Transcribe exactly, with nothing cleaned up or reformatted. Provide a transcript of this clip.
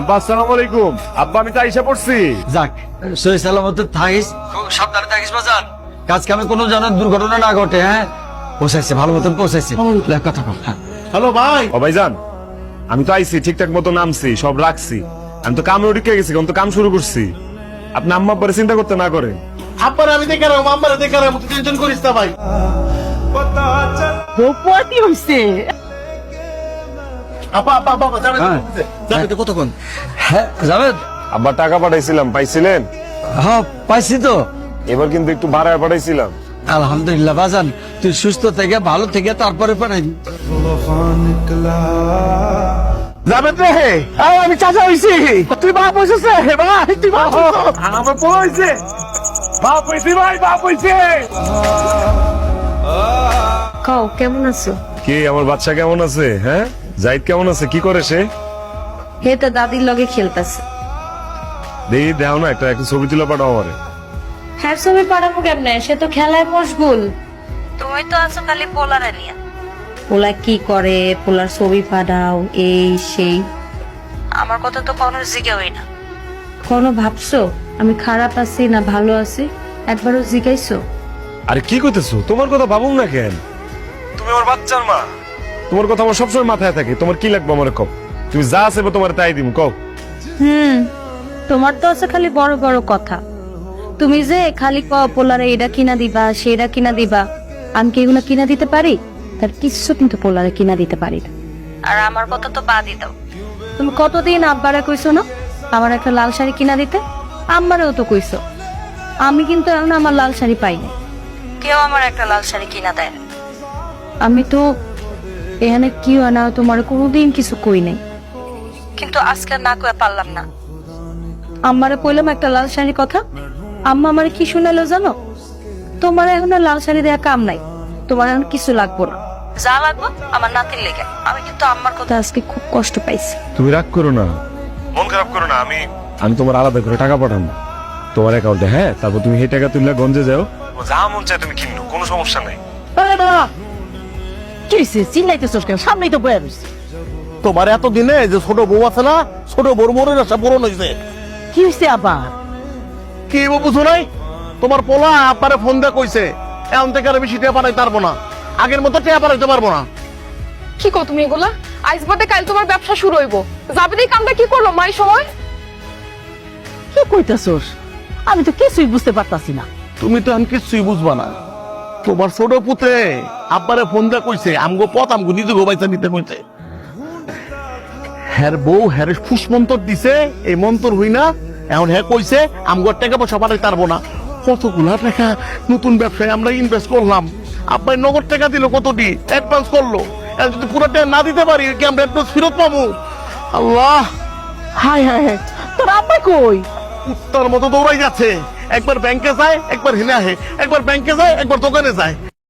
আব্বা আসসালামু আলাইকুম। আব্বা আমি তো আইসা পড়ছি। যাক, সহি সালামতে থাকিস, খুব সাবধানে থাকিস বাজান। কাজ কামে কোনো যেন দুর্ঘটনা না ঘটে। হ্যাঁ, পৌঁছাইছে, ভালো মতন পৌঁছাইছে। লে, কথা বল। হ্যাঁ, হ্যালো ভাই। ও ভাইজান, আমি তো আইছি ঠিকঠাক মতো নামছি, সব রাখছি। আমি তো কামে উঠে গেছি, আমি তো কাম শুরু করছি। আপনি আম্মা আব্বারে চিন্তা করতে না করে। আব্বার আমি দেখে রাখবো, আম্মারে দেখে রাখবো, তুই টেনশন করিস না ভাই। বৌপতি হইছে। আপা আপা আপা যাবে হ্যাঁ। যাবে তো কতক্ষণ? হ্যাঁ, জাভেদ। আব্বা টাকা পাঠাইছিলাম, পাইছিলেন? হ্যাঁ, পাইছি তো। এবার কিন্তু একটু ভাড়ায় পাঠাইছিলাম। আলহামদুলিল্লাহ বাজান, তুই সুস্থ থেকে ভালো থেকে তারপরে পাঠাই। যাবে তো হে এই, আমি চাচা হইছি। তুই বাপ হইছিস রে ভাই, তুই বাপ হইছিস। আমার বউ হইছে, বাপ হইছি ভাই, বাপ হইছে। কও কেমন আছো? কে আমার বাচ্চা কেমন আছে? হ্যাঁ, জাহিদ কেমন আছে? কি করে সে? হে তো দাদির লগে খেলতেছে। দেখি দেও না, একটা একটা ছবি তুলে পাঠাও আমারে। হ্যাঁ, ছবি পাঠাবো কেমনে? সে তো খেলায় মশগুল। তুমি তো আছো খালি পোলারে নিয়ে। পোলা কি করে, পোলার ছবি পাঠাও, এই সেই। আমার কথা তো কোনো জিজ্ঞাই না। কোনো ভাবছো আমি খারাপ আছি না ভালো আছি? একবারও জিজ্ঞাইছো? আরে কি কইতেছো? তোমার কথা ভাবুন না কেন? তুমি আমার বাচ্চার মা, তোমার কথা আমার সবসময় মাথায় থাকে। তোমার কি লাগবে আমার কও, তুমি যা আছে তোমার তাই দিম, কও। হুম, তোমার তো আছে খালি বড় বড় কথা। তুমি যে খালি ক পোলারে এটা কিনা দিবা, সেটা কিনা দিবা, আমি কি এগুলো কিনা দিতে পারি? তার কিছু কিন্তু পোলারে কিনা দিতে পারি না। আর আমার কথা তো বাদই দাও। তুমি কতদিন আব্বারে কইছো না আমার একটা লাল শাড়ি কিনা দিতে? আম্মারেও তো কইছো। আমি কিন্তু এখন আমার লাল শাড়ি পাই না, কেউ আমার একটা লাল শাড়ি কিনা দেয় না। আমি তো এখানে কি হয় না তোমার কোনোদিন কিছু কই নাই, কিন্তু আজকে না কয়ে পারলাম না। আম্মারে কইলাম একটা লাল শাড়ির কথা, আম্মা আমারে কি শুনালো জানো? তোমার এখন আর লাল শাড়ি দেয়া কাম নাই, তোমার এখন কিছু লাগবো না, যা লাগবো আমার নাতির লেগে। আমি কিন্তু আম্মার কথা আজকে খুব কষ্ট পাইছি। তুমি রাগ করো না, মন খারাপ করো না। আমি আমি তোমার আলাদা করে টাকা পাঠাবো তোমার অ্যাকাউন্টে। হ্যাঁ, তারপর তুমি সেই টাকা তুললে গঞ্জে যাও, যা মন চায় তুমি কিনো, কোনো সমস্যা নাই। আরে বাবা, কি হইছে? চিল্লাইতেছস কেন? সামনেই তো বয়ে রইছে। তোমার এত দিনে যে ছোট বউ আছে না, ছোট বড় মরে না, সব পূরণ হয়েছে। কি হইছে আবার? কি বুঝো নাই? তোমার পোলা আব্বারে ফোন দিয়ে কইছে এখন থেকে আর বেশি টেয়া পাঠাইতে পারবো না, আগের মতো টেয়া পাঠাইতে পারবো না। কি কো তুমি এগুলা? আইজ বাদে কাল তোমার ব্যবসা শুরু হইব। যাবে কামটা কি করলো মাই সময়? কি কইতাছস? আমি তো কিছুই বুঝতে পারতাছি না। তুমি তো এখন কিছুই বুঝবা না। তোমার ছোট পুত্রে আব্বারে ফোন দিয়ে কইছে আমগো পথ আমগো নিজে গোবাইতে নিতে কইছে। হ্যার বউ হ্যার ফুস মন্তর দিছে, এই মন্তর হই না এখন হ্যাঁ কইছে আমগো টাকা পয়সা পাঠাইতে পারবো না। কতগুলা টাকা নতুন ব্যবসায় আমরা ইনভেস্ট করলাম, আব্বাই নগদ টাকা দিল, কতটি অ্যাডভান্স করলো। এখন যদি পুরো টাকা না দিতে পারি কি আমরা অ্যাডভান্স ফেরত পাবো? আল্লাহ, হাই হাই হাই, তোর আব্বা কই? কুত্তার মতো দৌড়াই যাচ্ছে, একবার ব্যাংকে যায় একবার হিনে আহে, একবার ব্যাংকে যায় একবার দোকানে যায়।